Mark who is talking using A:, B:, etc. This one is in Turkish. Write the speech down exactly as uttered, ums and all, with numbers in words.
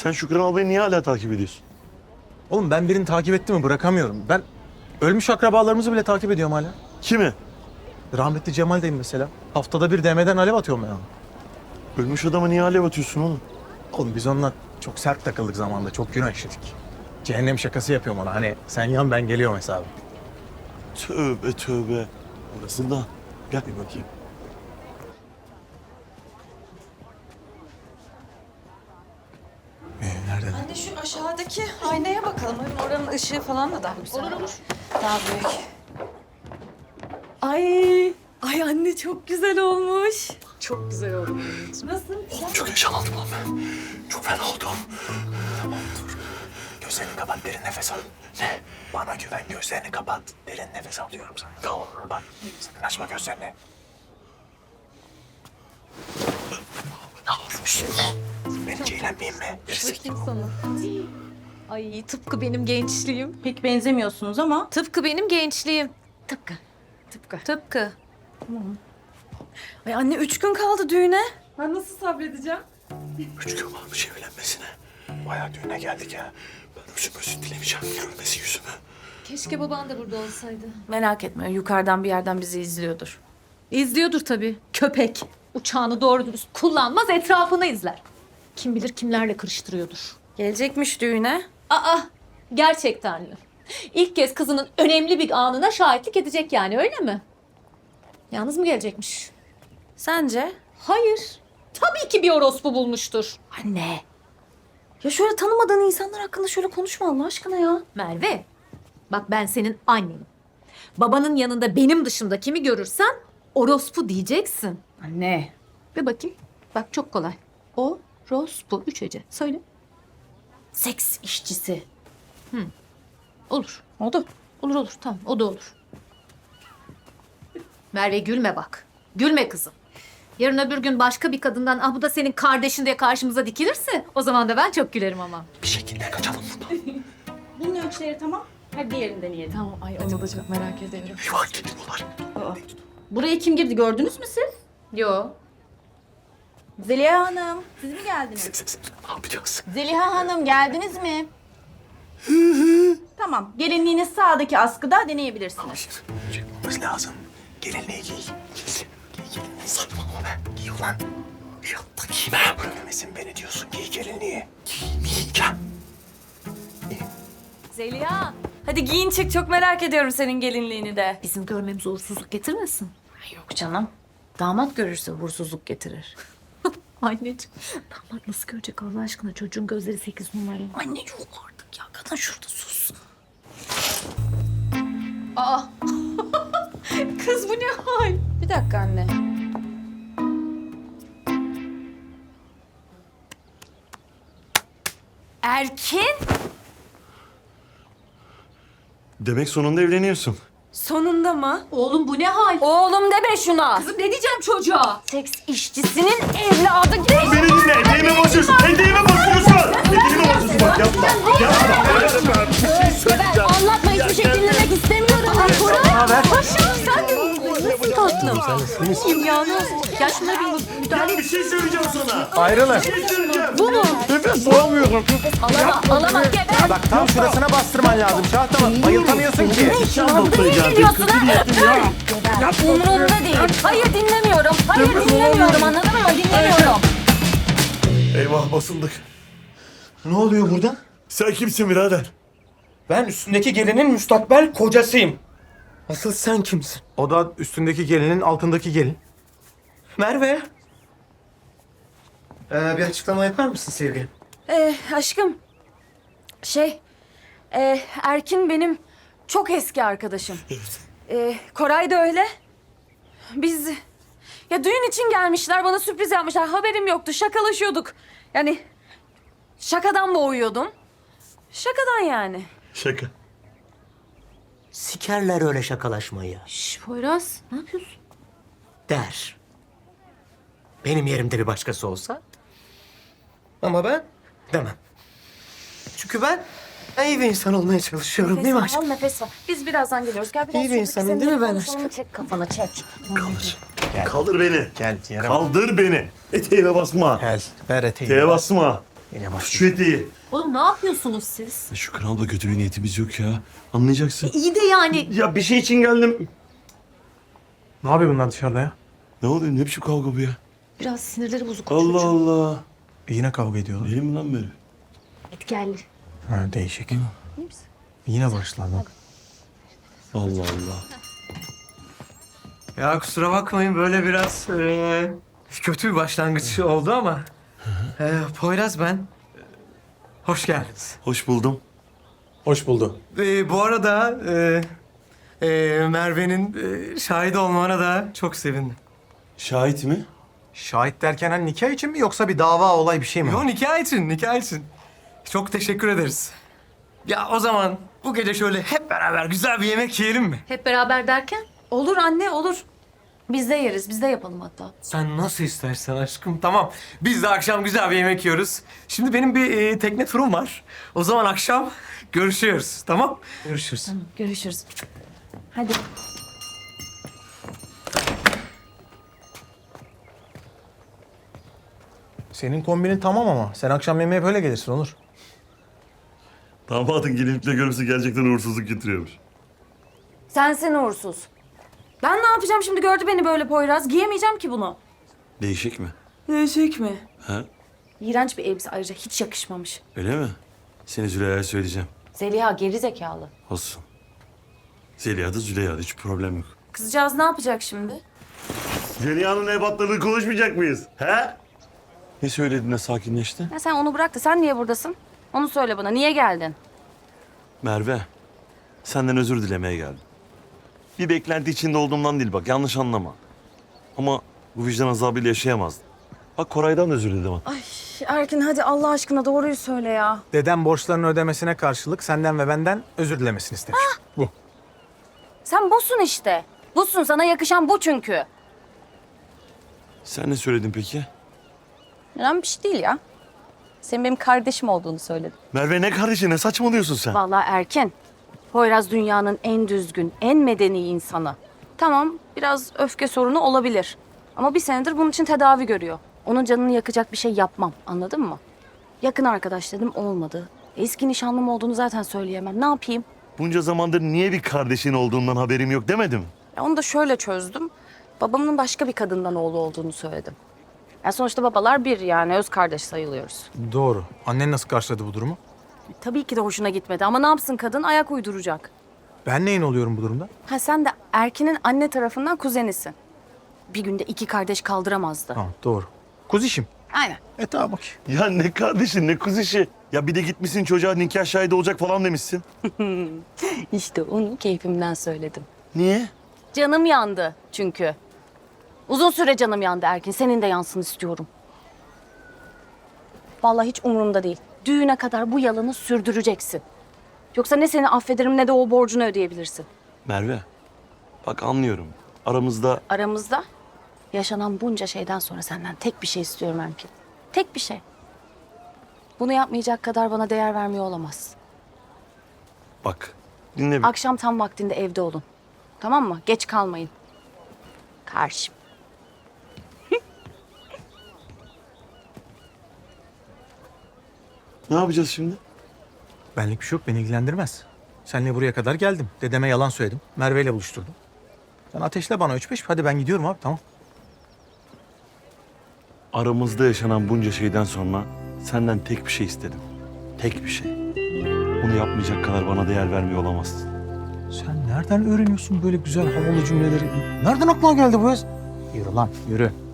A: Sen Şükran ablayı niye hala takip ediyorsun?
B: Oğlum ben birini takip ettim mi bırakamıyorum. Ben ölmüş akrabalarımızı bile takip ediyorum hala.
A: Kimi?
B: Rahmetli Cemal'deyim mesela. Haftada bir D M'den alev atıyorum ya.
A: Ölmüş adamı niye alev atıyorsun oğlum?
B: Oğlum biz onunla çok sert takıldık zamanında. Çok günah işledik. Cehennem şakası yapıyorum ona. Hani sen yan ben geliyorum hesabı.
A: Tövbe tövbe. Orası da. Gel bir bakayım.
B: Ee, nerede?
C: Anne şu aşağıdaki aynaya bakalım. Hem oranın ışığı falan da daha güzel. Olur olur. Daha büyük. Ay, ay anne çok güzel olmuş. Çok güzel oldu. Nasıl?
A: Oğlum çok yaşanaldım lan ben. Çok fena oldum.
B: Tamam dur. Gözlerini kapat, derin nefes al.
A: Ne?
B: Bana güven, gözlerini kapat. Derin nefes al diyorum sana.
A: Tamam.
B: Bak, sakın açma gözlerini.
A: Ne olmuş?
B: Ben hiç eğlenmeyeyim mi?
D: Bakayım sana. Ay tıpkı benim gençliğim.
C: Pek benzemiyorsunuz ama.
D: Tıpkı benim gençliğim.
C: Tıpkı. Tıpkı.
D: Tıpkı.
C: Ay anne üç gün kaldı düğüne.
D: Ben nasıl sabredeceğim?
A: Üç gün varmış evlenmesine.
B: Bayağı düğüne geldik ya.
A: Ben özüm özür dilemeyeceğim. Görmesi yüzümü.
D: Keşke baban da burada olsaydı.
C: Merak etme yukarıdan bir yerden bizi izliyordur.
D: İzliyordur tabii. Köpek. Uçağını doğru dürüst kullanmaz, etrafını izler. Kim bilir kimlerle karıştırıyordur.
C: Gelecekmiş düğüne.
D: Aa, gerçekten mi? İlk kez kızının önemli bir anına şahitlik edecek yani, öyle mi? Yalnız mı gelecekmiş?
C: Sence?
D: Hayır. Tabii ki bir orospu bulmuştur.
C: Anne. Ya şöyle tanımadığın insanlar hakkında şöyle konuşma Allah aşkına ya.
D: Merve, bak ben senin annenim. Babanın yanında benim dışında kimi görürsen orospu diyeceksin.
C: Anne.
D: Bir bakayım. Bak çok kolay. O, rospu, üç hece. Söyle.
C: Seks işçisi.
D: Olur.
C: Oldu.
D: Olur olur. Tamam, o da olur. Merve gülme bak. Gülme kızım. Yarın öbür gün başka bir kadından ah bu da senin kardeşin diye karşımıza dikilirse o zaman da ben çok gülerim ama.
A: Bir şekilde kaçalım buradan.
C: Bunun ölçüleri tamam. Hadi diğerini deneyelim.
D: Tamam, ay onu da çok merak ediyorum.
A: Eyvah geliyorlar.
C: Buraya kim girdi gördünüz mü siz?
D: Yo.
C: Zeliha Hanım. Siz mi geldiniz?
A: Sen, sen, ne yapacağız?
C: Zeliha Hanım geldiniz mi? Tamam. Gelinliğiniz sağdaki askıda deneyebilirsiniz.
B: Çıkmamız lazım. Gelinliği giy.
A: Giy. Giy gelinliği. Saçmalama be.
B: Giy ulan.
A: Ya da giyme.
B: Görmemesin beni diyorsun. Giy gelinliği.
A: Giymeyeceğim.
D: Zeliha.
C: Hadi giyin çık. Çok merak ediyorum senin gelinliğini de.
D: Bizim görmemize uğursuzluk getirmesin.
C: Yok canım. Damat görürse uğursuzluk getirir.
D: Anneciğim. Damat nasıl görecek Allah aşkına? Çocuğun gözleri sekiz numara.
C: Anne yok artık ya. Kadın şurada sus.
D: Aa. Kız bu ne hal?
C: Bir dakika anne. Erkin?
A: Demek sonunda evleniyorsun.
C: Sonunda mı?
D: Oğlum bu ne hal?
C: Oğlum deme şuna.
D: Kızım ne diyeceğim çocuğa?
C: Seks işçisinin evladı.
A: Beni dinle. Eteğime basıyorsun. Eteğime basıyorsun. Eteğime basıyorsun. Bak yapma. Yapma.
C: Ben anlatma hiçbir şey dinlemek istemiyorum. Ay Koray. Paşam sen de nasıl tatlım?
D: Yalnız. Ya şuna bir müdahale
A: Ya bir şey söyleyeceğim sana.
B: Ayrılın.
A: Bir şey söyleyeceğim.
D: Bu mu?
A: Nefes alamıyorum.
C: Alama, alama geber.
B: Bak tam şurasına bastırman lazım. Şahtama bayıltamıyorsun ki.
C: Geliyorsun ha? Umurumda değil. Hayır dinlemiyorum. Hayır dinlemiyorum anladın mı? Dinlemiyorum.
A: Eyvah basıldık.
B: Ne oluyor burada?
A: Sen kimsin birader?
E: Ben üstündeki gelinin müstakbel kocasıyım. Asıl sen kimsin?
B: O da üstündeki gelinin altındaki gelin.
E: Merve. Ee, bir açıklama yapar mısın sevgilim?
C: Ee, aşkım. Şey. E, Erkin benim çok eski arkadaşım.
A: Evet.
C: Ee, Koray da öyle. Biz ya düğün için gelmişler bana sürpriz yapmışlar. Haberim yoktu şakalaşıyorduk. Yani şakadan boğuyordum. Şakadan yani.
A: Şaka.
E: Sikerler öyle şakalaşmayı.
D: Şş Poyraz ne yapıyorsun?
E: Der. Benim yerimde bir başkası olsa. Ama ben demem. Çünkü ben iyi bir insan olmaya çalışıyorum değil mi
C: Nefes al
E: aşkım?
C: nefes al. Biz birazdan geliyoruz. Gel biraz
E: İyi bir
C: şuradaki
E: insanım
C: senin
E: değil mi ben
C: telefonunu
E: aşkım?
C: Çek kafana çek.
A: Kaldır. Kaldır beni.
B: Gel yere bak.
A: Kaldır beni. Eteğime basma.
B: Gel ver eteği.
A: Eteğe basma.
B: Yine bak.
A: Şu eteği.
D: Oğlum ne yapıyorsunuz siz?
F: Şu kanalda kötü bir niyetimiz yok ya. Anlayacaksın.
D: İyi de yani
A: Ya bir şey için geldim.
B: Ne yapıyor bunlar dışarıda ya?
F: Ne oluyor? Ne biçim kavga bu ya?
D: biraz sinirleri bozuk.
F: Allah Allah.
B: Yine kavga ediyorlar.
F: Değil mi lan böyle?
D: Etkelli.
B: Ha, değişik. Yine başladı.
F: Allah Allah.
E: Ya kusura bakmayın böyle biraz eee, kötü bir başlangıç oldu ama. Eee, Poyraz ben. Hoş geldiniz.
F: Hoş buldum.
B: Hoş buldu.
E: Ee, bu arada eee eee, Merve'nin eee, şahit olmana da çok sevindim.
F: Şahit mi?
B: Şahit derken hani nikah için mi yoksa bir dava olay bir şey mi?
E: Yo nikah için, nikah için. Çok teşekkür ederiz. Ya o zaman bu gece şöyle hep beraber güzel bir yemek yiyelim mi?
D: Hep beraber derken?
C: Olur anne olur. Biz de yeriz. Biz de yapalım hatta.
E: Sen nasıl istersen aşkım. Tamam. Biz de akşam güzel bir yemek yiyoruz. Şimdi benim bir eee, tekne turum var. O zaman akşam görüşüyoruz. Tamam?
B: Görüşürüz.
C: Görüşürüz. Hadi.
B: Senin kombinin tamam ama sen akşam yemeğe böyle gelirsin Onur.
A: Damadın gelinlikle görmesi gerçekten uğursuzluk getiriyormuş.
C: Sensin uğursuz. Ben ne yapacağım şimdi gördü beni böyle Poyraz. Giyemeyeceğim ki bunu.
F: Değişik mi?
C: Değişik mi?
F: Ha?
C: İğrenç bir elbise ayrıca hiç yakışmamış.
F: Öyle mi? Seni Züleyha'ya söyleyeceğim.
C: Zeliha geri zekalı.
F: Olsun. Zeliha da Züleyha da hiç problem yok.
C: Kızcağız ne yapacak şimdi?
A: Zeliha'nın ebatlarını konuşmayacak mıyız? He?
F: Ne söylediğinde sakinleşti?
C: Ya sen onu bırak da sen niye buradasın? Onu söyle bana. Niye geldin?
F: Merve, senden özür dilemeye geldim. Bir beklenti içinde olduğumdan değil bak, yanlış anlama. Ama bu vicdan azabıyla yaşayamazdım. Bak Koray'dan da özür diledim.
C: Ay Erkin hadi Allah aşkına doğruyu söyle ya.
B: Dedem borçlarını ödemesine karşılık senden ve benden özür dilemesini istemiş. Bu.
C: Sen busun işte. Busun sana yakışan bu çünkü.
F: Sen ne söyledin peki?
C: Önemli bir şey değil ya. Senin benim kardeşim olduğunu söyledim.
F: Merve ne kardeşi, ne saçmalıyorsun sen?
C: Vallahi Erkin. Poyraz dünyanın en düzgün, en medeni insanı. Tamam biraz öfke sorunu olabilir. Ama bir senedir bunun için tedavi görüyor. Onun canını yakacak bir şey yapmam. Anladın mı? Yakın arkadaş dedim olmadı. Eski nişanlım olduğunu zaten söyleyemem. Ne yapayım?
F: Bunca zamandır niye bir kardeşin olduğundan haberim yok demedim.
C: Ya onu da şöyle çözdüm. Babamın başka bir kadından oğlu olduğunu söyledim. Ya sonuçta babalar bir yani öz kardeş sayılıyoruz.
B: Doğru. Annen nasıl karşıladı bu durumu?
C: Tabii ki de hoşuna gitmedi ama ne yapsın kadın ayak uyduracak.
B: Ben neyin oluyorum bu durumda?
C: Ha sen de Erkin'in anne tarafından kuzenisin. Bir günde iki kardeş kaldıramazdı.
B: Ha, doğru. Kuzişim.
C: Aynen.
B: E tamam bak.
F: Ya ne kardeşin, ne kuz işi. Ya bir de gitmişsin çocuğa nikah şahidi olacak falan demişsin.
C: İşte onu keyfimden söyledim.
F: Niye?
C: Canım yandı çünkü. Uzun süre canım yandı Erkin. Senin de yansın istiyorum. Vallahi hiç umurumda değil. Düğüne kadar bu yalanı sürdüreceksin. Yoksa ne seni affederim ne de o borcunu ödeyebilirsin.
F: Merve, bak anlıyorum. Aramızda
C: Aramızda yaşanan bunca şeyden sonra senden tek bir şey istiyorum Erkin. Tek bir şey. Bunu yapmayacak kadar bana değer vermiyor olamaz.
F: bak dinle bir.
C: Akşam tam vaktinde evde olun. Tamam mı? Geç kalmayın. Karşım.
F: Ne yapacağız şimdi?
B: Benlik bir şey yok, beni ilgilendirmez. Seninle buraya kadar geldim. Dedeme yalan söyledim. Merve ile buluşturdum. Sen ateşle bana üç beş. Hadi ben gidiyorum abi, tamam.
F: Aramızda yaşanan bunca şeyden sonra senden tek bir şey istedim. Tek bir şey. Bunu yapmayacak kadar bana değer vermiyor olamazsın.
B: Sen nereden öğreniyorsun böyle güzel havalı cümleleri? Nereden aklına geldi bu yaz? Yürü lan, yürü.